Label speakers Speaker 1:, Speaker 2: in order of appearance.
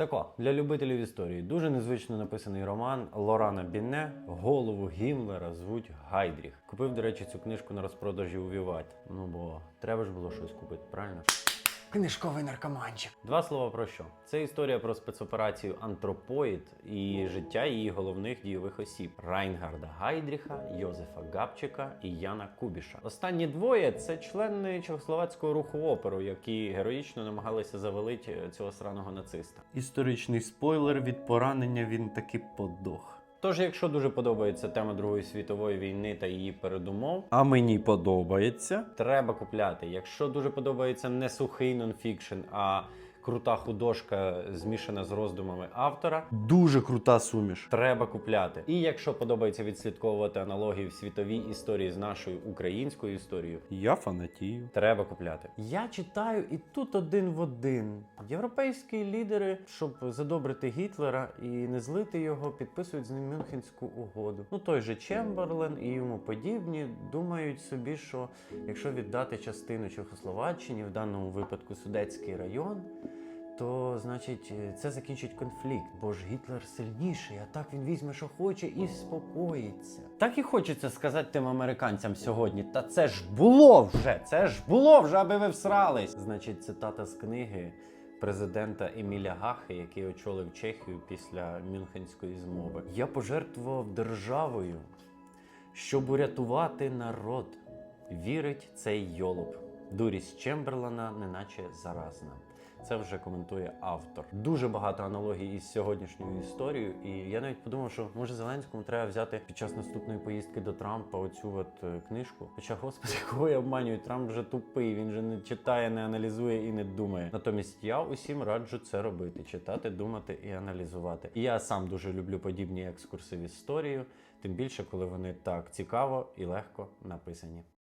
Speaker 1: Тако, для любителів історії, дуже незвично написаний роман Лорана Бінне «Голову Гіммлера звуть Гайдріх». Купив, до речі, цю книжку на розпродажі у Віваті. Ну бо треба ж було щось купити, правильно? Книжковий наркоманчик. Два слова про що? Це історія про спецоперацію «Антропоїд» і життя її головних дійових осіб – Райнгарда Гайдріха, Йозефа Габчика і Яна Кубіша. Останні двоє – це члени чехословацького руху опору, які героїчно намагалися завалити цього сраного нациста. Історичний спойлер: від поранення він таки подох. Тож, якщо дуже подобається тема Другої світової війни та її передумов, а мені подобається, треба купляти. Якщо дуже подобається не сухий нонфікшн, а крута художка, змішана з роздумами автора, дуже крута суміш, треба купляти. І якщо подобається відслідковувати аналогії в світовій історії з нашою українською історією, я фанатію, треба купляти. Я читаю і тут один в один. Європейські лідери, щоб задобрити Гітлера і не злити його, підписують з ним Мюнхенську угоду. Ну той же Чемберлен і йому подібні думають собі, що якщо віддати частину Чехословаччині, в даному випадку Судетський район, то, значить, це закінчить конфлікт, бо ж Гітлер сильніший, а так він візьме, що хоче, і спокоїться. Так і хочеться сказати тим американцям сьогодні: та це ж було вже, аби ви всрались. Значить, цитата з книги президента Еміля Гахи, який очолив Чехію після Мюнхенської змови. «Я пожертвував державою, щоб урятувати народ. Вірить цей йолоп. Дурість Чемберлена неначе заразна». Це вже коментує автор. Дуже багато аналогій із сьогоднішньою історією, і я навіть подумав, що може Зеленському треба взяти під час наступної поїздки до Трампа оцю книжку. Хоча, господи, кого я обманюю, Трамп вже тупий, він же не читає, не аналізує і не думає. Натомість я усім раджу це робити: читати, думати і аналізувати. І я сам дуже люблю подібні екскурси в історію, тим більше, коли вони так цікаво і легко написані.